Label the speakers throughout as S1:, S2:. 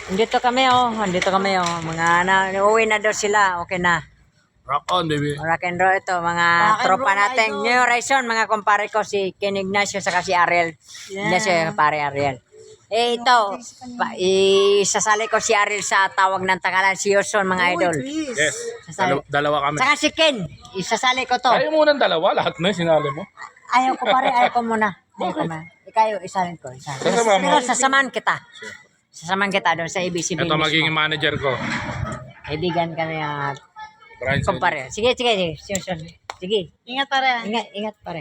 S1: Andito kami oh. Mga uuwi na daw sila. Okay na.
S2: Rock on, baby.
S1: Rock and roll ito. Mga tropa natin. New Horizon, mga kumpare ko. Si Ken Ignacio saka si Ariel. Ignacio, kumpare Ariel. Ito. Isasali ko si Ariel sa tawag ng tangalan. Si Yuson, mga idol.
S2: Yes.
S1: Sasali.
S2: Dalawa kami.
S1: Saka si Ken. Isasali ko to.
S2: Ayaw mo ng dalawa. Lahat na sinali mo.
S1: Ayaw ko pare. Ayaw ko muna. Ikaw, isalin ko.
S2: Sasama mo.
S1: Pero sasamahan kita. Sasamahan kita doon sa ABCB.
S2: Ito magiging manager ko.
S1: Kaibigan kami at
S2: Brian Solis.
S1: kumpare. Sige. Sige.
S3: Ingat pare.
S1: Ingat pare.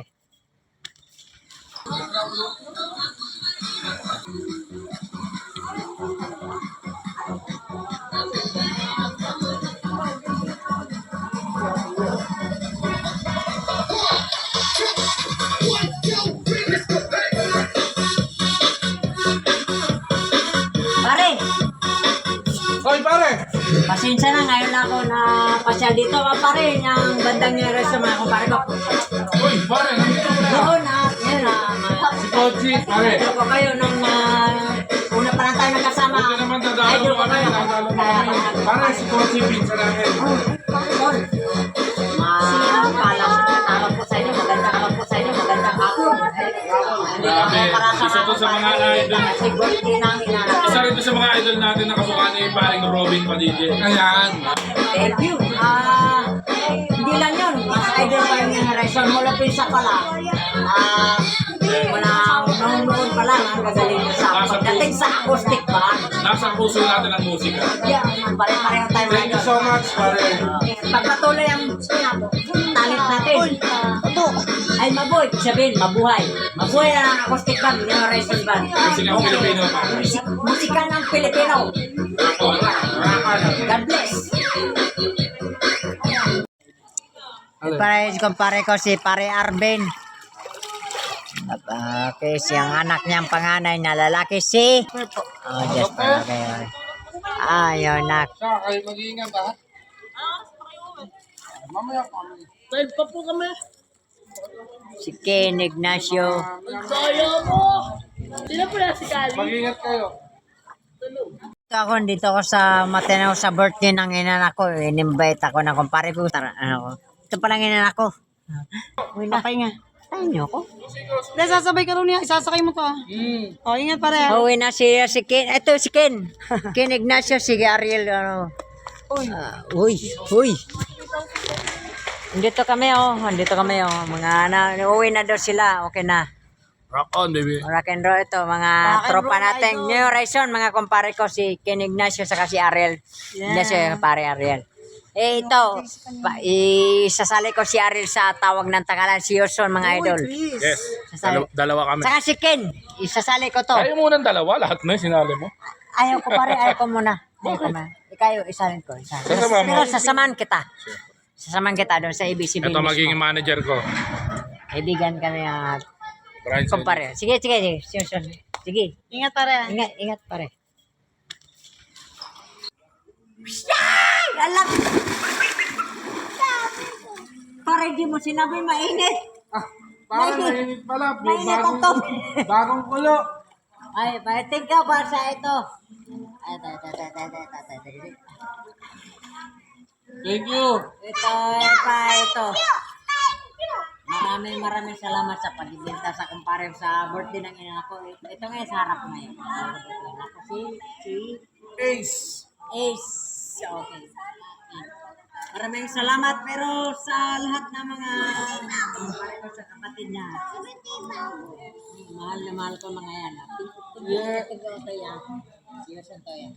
S1: Pare,
S2: Hoy, pare!
S1: pasensya na ngayon na ako na pasyal dito. Pare, yung bandang nyo sa mga kumpare ko.
S2: Hoy, pare! Nandito mo na!
S1: Doon na, yun na.
S2: Si Kochi, pare!
S1: Ito ko kayo nung una pa lang tayo nagkasama.
S2: Hindi naman dadalo
S1: Idol
S2: mo kami. Dadalo mo kami. Pare, si Kochi, pinsa namin.
S1: Tol. Alam ko sa inyo, magandang hapon.
S2: Grabe. Isa to sa mga idol.
S1: Siguro nang hinanap.
S2: Isa rin to sa mga idol natin na kamukha ni paring Robin Padilla. Ayan.
S1: Thank you. Hindi lang yun. Mas idol pa yung Horizon. Mula pinsa pa lang. Noon pa lang ang gagaling mo sa pagdating sa acoustic band.
S2: Nasa puso natin ang musika.
S1: Yeah, pare-pareho tayo.
S2: Thank you so much, pare.
S1: Pagpatuloy ang talent natin. Ay mabuhay. Sabihin, mabuhay. Mabuhay ang acoustic band, yung Horizon band.
S2: Musika ng Pilipino, pare.
S1: Musika ng Pilipino. God bless. Kumpare ko si Pare Arben. Okay, siyang anak niyang panganay na lalaki si... Oh, just para kayo. Ayaw nak.
S2: Kayo mag-iingat, ha? Mamaya pa.
S3: Live pa po kami.
S1: Si Ken Ignacio.
S3: Kaya mo. Sino po na si Kali?
S2: Mag-iingat kayo.
S1: Dito ako sa Matanaw sa birthday ng inanak ko. In-invite ako na kumpare ko. Ito palang inanak ko. Uy na.
S3: Papay nga.
S1: Tayo niyo ako.
S3: Hindi, sasabay ka rin niya. Isasakay mo to ah. O, ingat pare.
S1: Uwi na si Ken. Ito si Ken. Ken Ignacio, si Ariel. Uy. Andito kami oh. Mga uuwi na daw sila. Okay na.
S2: Rock on, baby.
S1: Rock and roll ito. Mga tropa natin. New Horizon, mga kumpare ko. Si Ken Ignacio saka si Ariel. Ignacio, kumpare Ariel. Ito. Isasali ko si Ariel sa tawag ng tangalan. Si Yuson, mga idol.
S2: Yes.
S1: Sasali.
S2: Dalawa kami.
S1: Saka si Ken. Isasali ko to.
S2: Ayaw mo ng dalawa. Lahat na sinali mo.
S1: Ayaw ko pare. Ayaw ko muna. Ikaw, isalin ko.
S2: Sasama mo.
S1: Pero sasamahan kita. Sasamahan kita doon sa ABCB.
S2: Ito magiging manager ko.
S1: Kaibigan kami at
S2: Brian Solis.
S1: kumpare. Sige. Sige.
S3: Ingat pare.
S1: Ingat pare. Alam! Pare, di mo sinabi mainit.
S2: Parang mainit pala.
S1: Mainit ang tubig.
S2: Bagong kulo.
S1: Ay, paiting ka ba sa ito?
S2: Thank you.
S1: Ito. Maraming salamat sa pagbibenta sa kumpare sa birthday ng ina ko. Ito ngayon sa harap ngayon. Ako si
S2: Ace.
S1: Ace. Okay. Maraming salamat pero sa lahat ng mga kumpare ko sa kapatid niya. Mahal na mahal ko mga yan. Yeah. Ito yan. Yes, ito yan.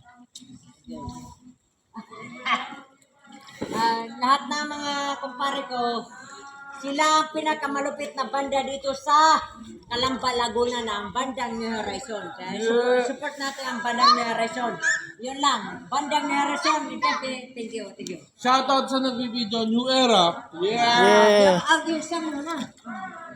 S1: Lahat ng mga kumpare ko, sila ang pinakamalupit na banda dito sa Calamba, Laguna na ang bandang New Horizon. Kaya support natin ang bandang New Horizon. Yun lang, bandang New Horizon. Thank you.
S2: Shoutout sa nagbibideo, New Era.
S1: Ang isa muna.